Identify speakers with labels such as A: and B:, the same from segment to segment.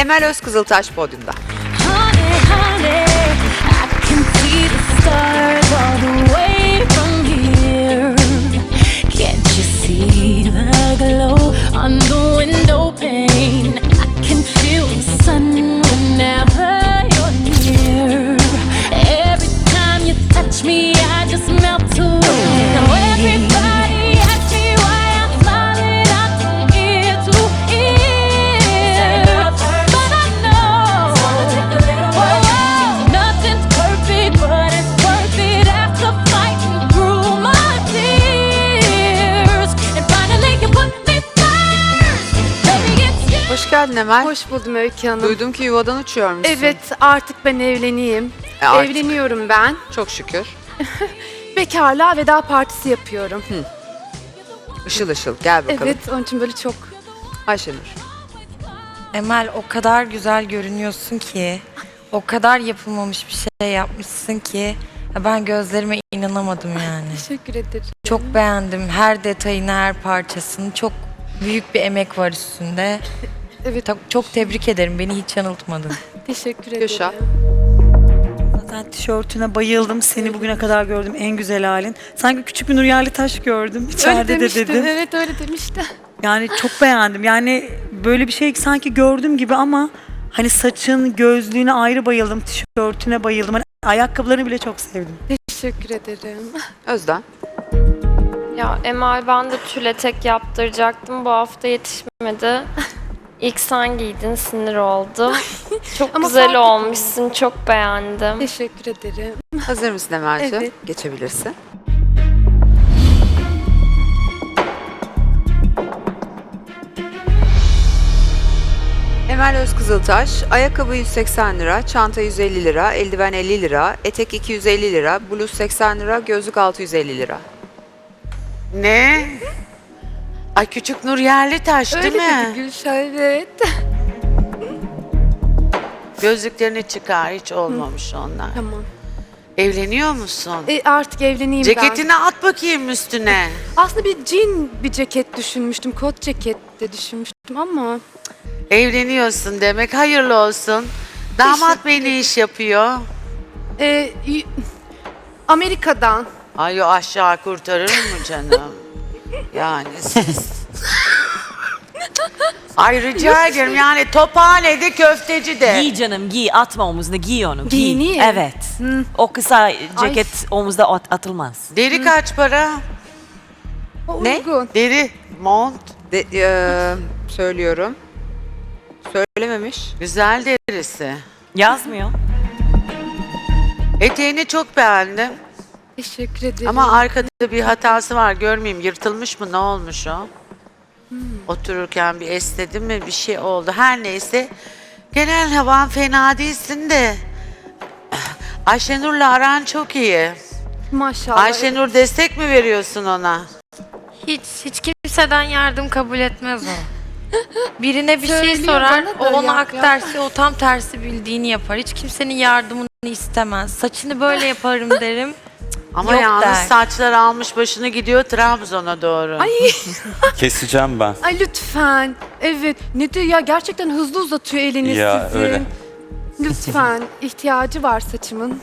A: Emel Özkızıltaş podyumda.
B: Honey, honey, I can see the stars all the way from here. Can't you see the glow on the window pane? I can feel the sun whenever you're near. Every time you touch me, I just melt away. Now everybody asks me why I'm smiling out from ear to ear. But I know, whoa, nothing's perfect, but it's worth it after fighting through my tears. And finally you put me first. Baby, it's you.
A: Hoş geldin Emel.
C: Hoş buldum Öykü Hanım.
A: Duydum ki yuvadan uçuyormuşsun.
C: Evet, artık ben evleneyim.
A: Artık.
C: Evleniyorum ben.
A: Çok şükür.
C: Bekarlığa veda partisi yapıyorum.
A: Işıl ışıl. Gel bakalım.
C: Evet, onun için böyle çok...
A: Ayşenur.
D: Emel o kadar güzel görünüyorsun ki, o kadar yapılmamış bir şey yapmışsın ki ben gözlerime inanamadım yani.
C: Teşekkür ederim.
D: Çok beğendim her detayını, her parçasını. Çok büyük bir emek var üstünde.
C: Evet,
D: Çok tebrik ederim. Beni hiç yanıltmadın.
C: teşekkür ederim.
A: Gülşah.
E: Zaten tişörtüne bayıldım. Seni bugüne kadar gördüm en güzel halin. Sanki küçük bir Nur Yerlitaş gördüm.
C: Öyle
E: İçeride de
C: demişti,
E: dedim.
C: evet öyle demişti.
E: Yani çok beğendim. Yani böyle bir şey sanki gördüm gibi ama hani saçın, gözlüğüne ayrı bayıldım. Tişörtüne bayıldım. Hani ayakkabılarını bile çok sevdim.
C: Teşekkür ederim.
A: Özden.
F: Ya Emel ben de tül etek yaptıracaktım. Bu hafta yetişmedi. İlk sen giydin, sinir oldum. Çok
C: Ama
F: güzel
C: fark
F: olmuşsun, çok beğendim.
C: Teşekkür ederim.
A: Hazır mısın Emel'ciğim?
C: Evet.
A: Geçebilirsin. Emel Özkızıltaş, ayakkabı 180 lira, çanta 150 lira, eldiven 50 lira, etek 250 lira, bluz 80 lira, gözlük 650 lira.
G: Ne? Ay küçük Nur Yerlitaş değil
C: Öyle dedi
G: mi?
C: Gülşah, evet.
G: Gözlüklerini çıkar, hiç olmamış onlar.
C: Tamam.
G: Evleniyor musun?
C: Artık evleneyim ben.
G: Ceketini at bakayım üstüne.
C: Aslında bir jean bir ceket düşünmüştüm. Kot ceket de düşünmüştüm ama...
G: Evleniyorsun demek, hayırlı olsun. Damat bey ne iş yapıyor?
C: Amerika'dan.
G: Ay o aşağı kurtarır mı canım? Yani siz... Ay rica ederim yani tophanede köfteci de.
H: Giy canım giy, atma omuzuna, giy onu, giy.
C: Giyineyim.
H: Evet. O kısa ceket omuzda atılmaz.
G: Deri kaç para?
A: Ne?
C: Uygun.
G: Deri, mont.
A: Söylüyorum. Söylememiş.
G: Güzel derisi.
H: Yazmıyor.
G: Eteğini çok beğendim.
C: Teşekkür ederim.
G: Ama arkada bir hatası var, görmeyeyim. Yırtılmış mı, ne olmuş o? Otururken bir esnedi mi, bir şey oldu. Her neyse. Genel havan fena değilsin de. Ayşenur'la aran çok iyi.
C: Maşallah.
G: Ayşenur destek mi veriyorsun ona?
D: Hiç kimseden yardım kabul etmez o. Birine bir şey
C: Söylüyor
D: sorar,
C: bana
D: o
C: da
D: ona
C: ya.
D: hak derse o tam tersi bildiğini yapar. Hiç kimsenin yardımını istemez. Saçını böyle yaparım derim.
G: Ama
D: Yok
G: yalnız
D: der.
G: saçlar almış başını gidiyor Trabzon'a doğru.
I: Keseceğim ben.
C: Ay lütfen. Evet. Ne diyor ya, gerçekten hızlı uzatıyor elini
I: Ya,
C: sizin.
I: öyle.
C: Lütfen. İhtiyacı var saçımın.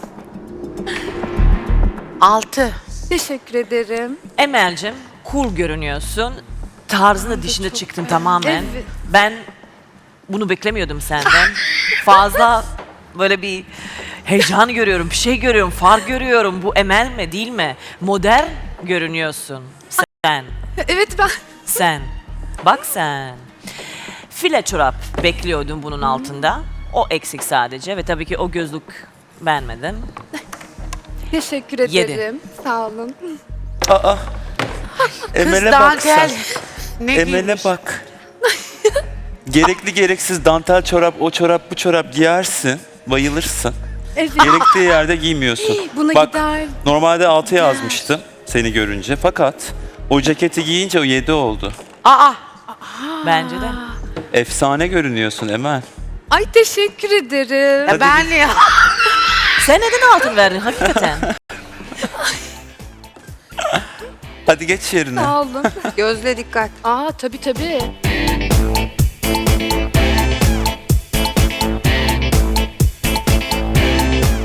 G: 6.
C: Teşekkür ederim.
H: Emel'cim cool görünüyorsun. Tarzın dışında çıktın tamamen.
C: Evet.
H: Ben bunu beklemiyordum senden. Fazla böyle bir heyecan görüyorum, bir şey görüyorum, far görüyorum. Bu Emel mi değil mi? Modern görünüyorsun sen.
C: Evet ben.
H: Sen. Bak sen. File çorap bekliyordum bunun altında. O eksik sadece ve tabii ki o gözlük beğenmedim.
C: Teşekkür
H: Yedi.
C: ederim. Sağ olun.
I: Aa.
G: Kız
I: Emel'e bak
G: dantel.
I: sen.
G: Ne
I: Emel'e
G: giymiş?
I: bak. Gerekli gereksiz dantel çorap, o çorap, bu çorap giyersin. Bayılırsın.
C: Evet.
I: Gerektiği yerde giymiyorsun.
C: Buna
I: Bak,
C: gider.
I: normalde 6 yazmıştım seni görünce. Fakat o ceketi giyince o 7 oldu.
G: Aa,
H: Bence de.
I: Efsane görünüyorsun Emel.
C: Ay teşekkür ederim.
I: Hadi
G: ben ne?
H: Sen neden altın verdin hakikaten?
I: Hadi geç yerine.
C: Sağ olun.
A: Gözle dikkat.
C: Tabii tabii.